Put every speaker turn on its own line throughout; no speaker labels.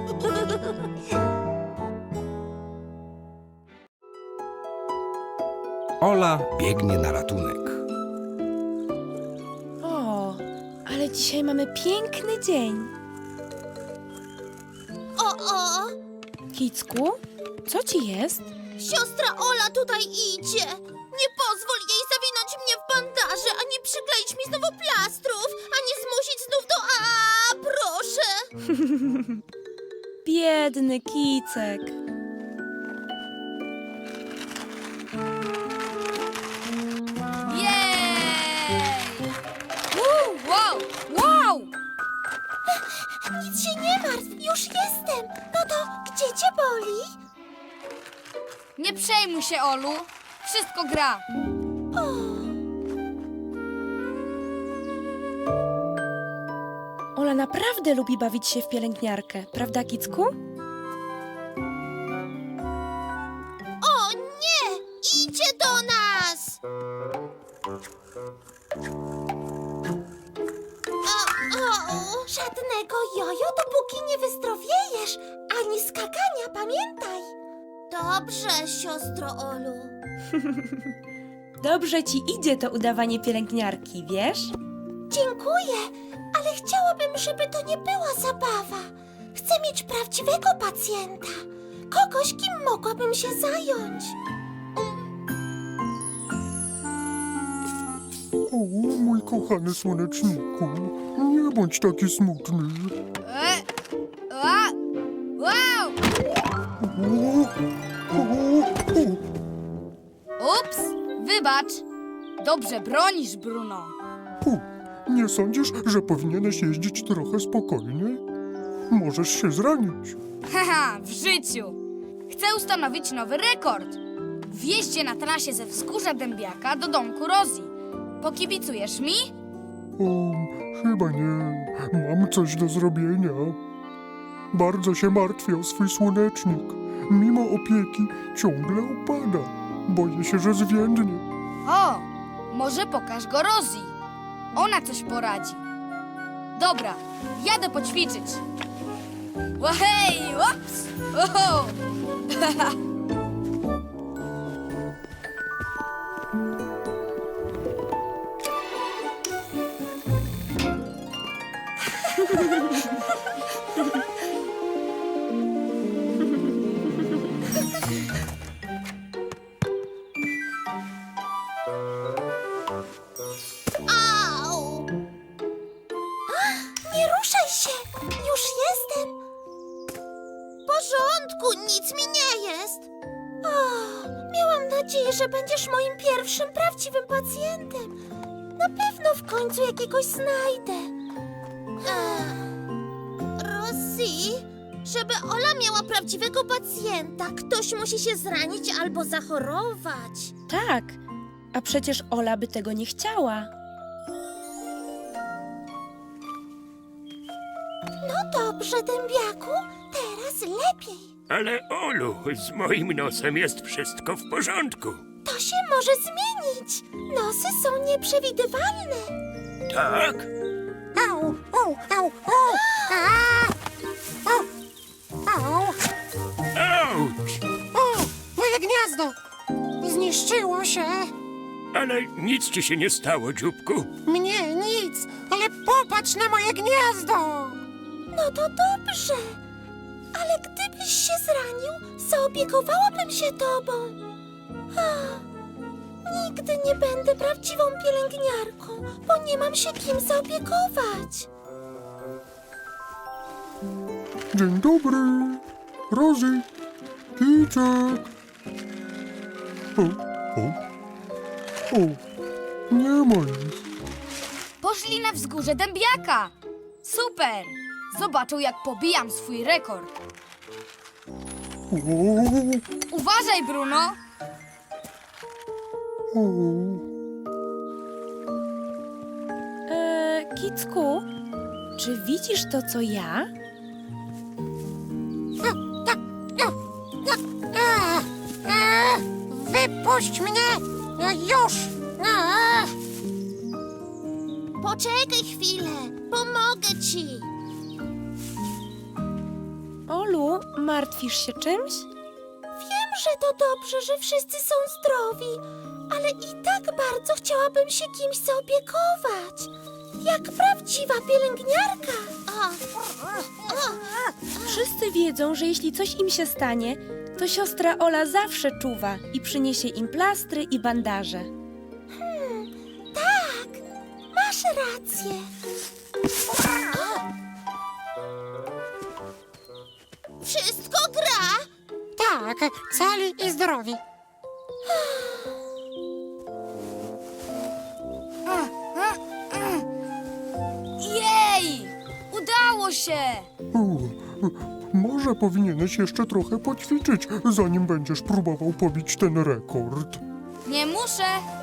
Ola biegnie na ratunek.
O, ale dzisiaj mamy piękny dzień.
O!
Kicku, co ci jest?
Siostra Ola tutaj idzie. Nie pozwól jej zawinąć mnie w bandaże, ani przykleić mi znowu plastrów, ani zmusić znów do proszę.
Biedny Kicek.
Jej! Wow! Wow!
Nic się nie martw, już jestem. No to gdzie cię boli?
Nie przejmuj się, Olu. Wszystko gra.
Ola naprawdę lubi bawić się w pielęgniarkę, prawda, Kicku?
O nie! Idzie do nas! Żadnego jojo, dopóki nie wyzdrowiejesz, ani skakania, pamiętaj. Dobrze, siostro Olu.
Dobrze ci idzie to udawanie pielęgniarki, wiesz?
Dziękuję, ale chciałabym, żeby to nie była zabawa. Chcę mieć prawdziwego pacjenta. Kogoś, kim mogłabym się zająć.
O, mój kochany słoneczniku, nie bądź taki smutny.
Wow!
O, o, o.
Ups! Wybacz. Dobrze bronisz, Bruno.
Nie sądzisz, że powinieneś jeździć trochę spokojniej? Możesz się zranić.
Haha, w życiu. Chcę ustanowić nowy rekord. W jeździe na trasie ze Wzgórza Dębiaka do domku Rosie. Pokibicujesz mi?
O, chyba nie. Mam coś do zrobienia. Bardzo się martwię o swój słonecznik. Mimo opieki ciągle upada. Boję się, że zwiędnie.
O, może pokaż go Rosie. Ona coś poradzi. Dobra, jadę poćwiczyć. Łahej, ups! Oho!
Au! Nie ruszaj się! Już jestem! W porządku, nic mi nie jest. Miałam nadzieję, że będziesz moim pierwszym prawdziwym pacjentem. Na pewno w końcu jakiegoś znajdę. Rosie, żeby Ola miała prawdziwego pacjenta, ktoś musi się zranić albo zachorować.
Tak, a przecież Ola by tego nie chciała.
No dobrze, dębiaku, teraz lepiej.
Ale Olu, z moim nosem jest wszystko w porządku.
To się może zmienić. Nosy są nieprzewidywalne.
Tak?
Au, au, au, au.
Auć!
O, moje gniazdo! Zniszczyło się.
Ale nic ci się nie stało, dzióbku.
Mnie nic, ale popatrz na moje gniazdo!
No to dobrze. Ale gdybyś się zranił, zaopiekowałabym się tobą. Nigdy nie będę prawdziwą pielęgniarką, bo nie mam się kim zaopiekować.
Dzień dobry. Rosie, Kicek. O, nie ma ich.
Poszli na Wzgórze Dębiaka. Super! Zobaczą, jak pobijam swój rekord.
O,
Uważaj, Bruno!
o.
Kicku, czy widzisz to, co ja?
Wypuść mnie! Już!
Poczekaj chwilę, pomogę ci.
Olu, martwisz się czymś?
Wiem, że to dobrze, że wszyscy są zdrowi, ale i tak bardzo chciałabym się kimś zaopiekować. Jak prawdziwa pielęgniarka.
Wszyscy wiedzą, że jeśli coś im się stanie, to siostra Ola zawsze czuwa i przyniesie im plastry i bandaże.
Tak, masz rację. Wszystko gra?
Tak, cali i zdrowi.
Jej! Udało się!
Może powinieneś jeszcze trochę poćwiczyć, zanim będziesz próbował pobić ten rekord.
Nie muszę.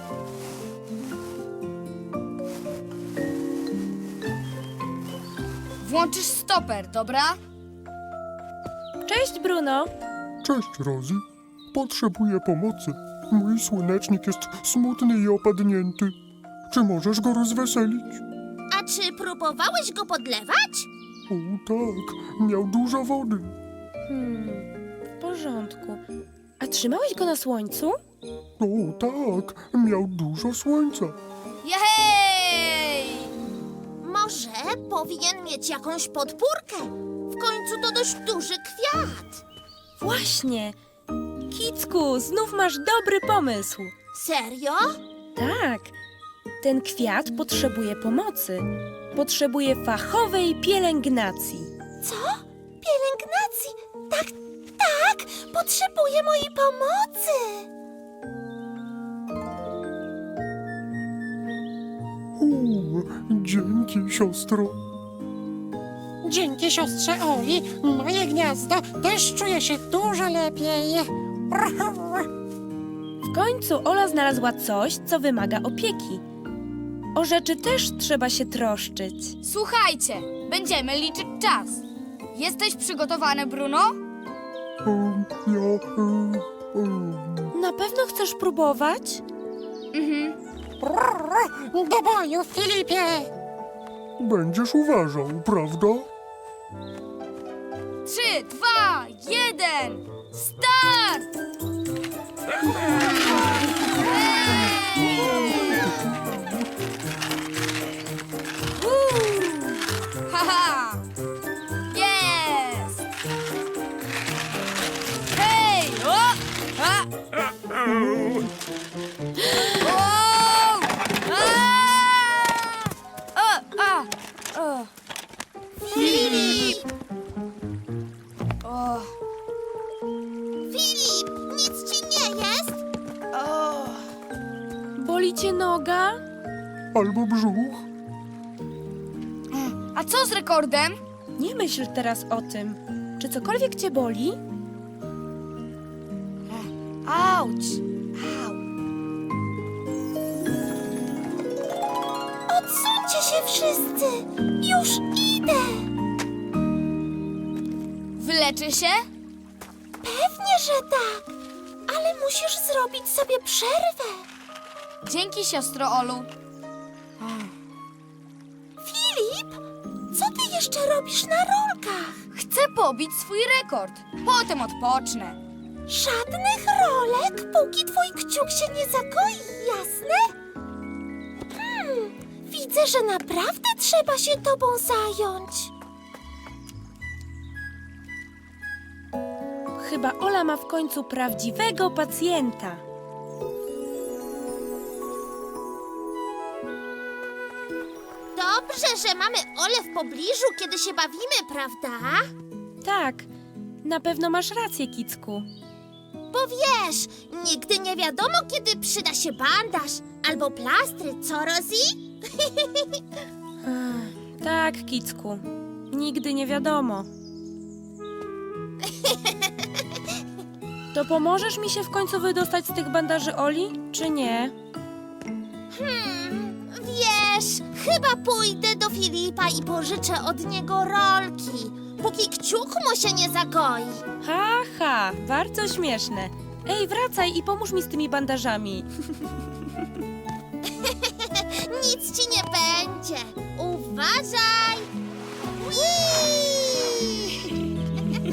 Włączysz stoper, dobra?
Cześć, Bruno!
Cześć, Rosie. Potrzebuję pomocy. Mój słonecznik jest smutny i opadnięty. Czy możesz go rozweselić?
A czy próbowałeś go podlewać?
O tak, miał dużo wody.
W porządku. A trzymałeś go na słońcu?
O tak, miał dużo słońca.
Jej!
Może powinien mieć jakąś podpórkę. W końcu to dość duży kwiat.
Właśnie! Kicku, znów masz dobry pomysł.
Serio?
Tak, ten kwiat potrzebuje pomocy. Potrzebuje fachowej pielęgnacji.
Co? Pielęgnacji? Tak, tak! Potrzebuję mojej pomocy!
Dzięki, siostro.
Dzięki siostrze Oli, moje gniazdo też czuje się dużo lepiej.
W końcu Ola znalazła coś, co wymaga opieki. O rzeczy też trzeba się troszczyć.
Słuchajcie, będziemy liczyć czas. Jesteś przygotowany, Bruno?
Na pewno chcesz próbować?
Do boju, Filipie!
Będziesz uważał, prawda?
3, 2, 1, start! Haha! Jest! Hej! O! A! O! A! O!
Filip!
O!
Filip, nic ci nie jest?
Boli cię noga?
Albo brzuch?
A co z rekordem?
Nie myśl teraz o tym. Czy cokolwiek cię boli?
Auć! Au!
Odsuńcie się wszyscy! Już idę!
Wyleczy się?
Pewnie, że tak! Ale musisz zrobić sobie przerwę!
Dzięki, siostro Olu.
Filip, co ty jeszcze robisz na rolkach?
Chcę pobić swój rekord. Potem odpocznę.
Żadnych rolek, póki twój kciuk się nie zagoi, jasne? Widzę, że naprawdę trzeba się tobą zająć.
Chyba Ola ma w końcu prawdziwego pacjenta.
Dobrze, że mamy Olę w pobliżu, kiedy się bawimy, prawda?
Tak, na pewno masz rację, Kicku.
Bo wiesz, nigdy nie wiadomo, kiedy przyda się bandaż albo plastry, co, Rosie?
Tak, Kicku. Nigdy nie wiadomo. To pomożesz mi się w końcu wydostać z tych bandaży Oli, czy nie?
Wiesz, chyba pójdę do Filipa i pożyczę od niego rolki, póki kciuk mu się nie zagoi.
Ha, bardzo śmieszne. Ej, wracaj i pomóż mi z tymi bandażami.
Nic ci nie będzie. Uważaj! Whee!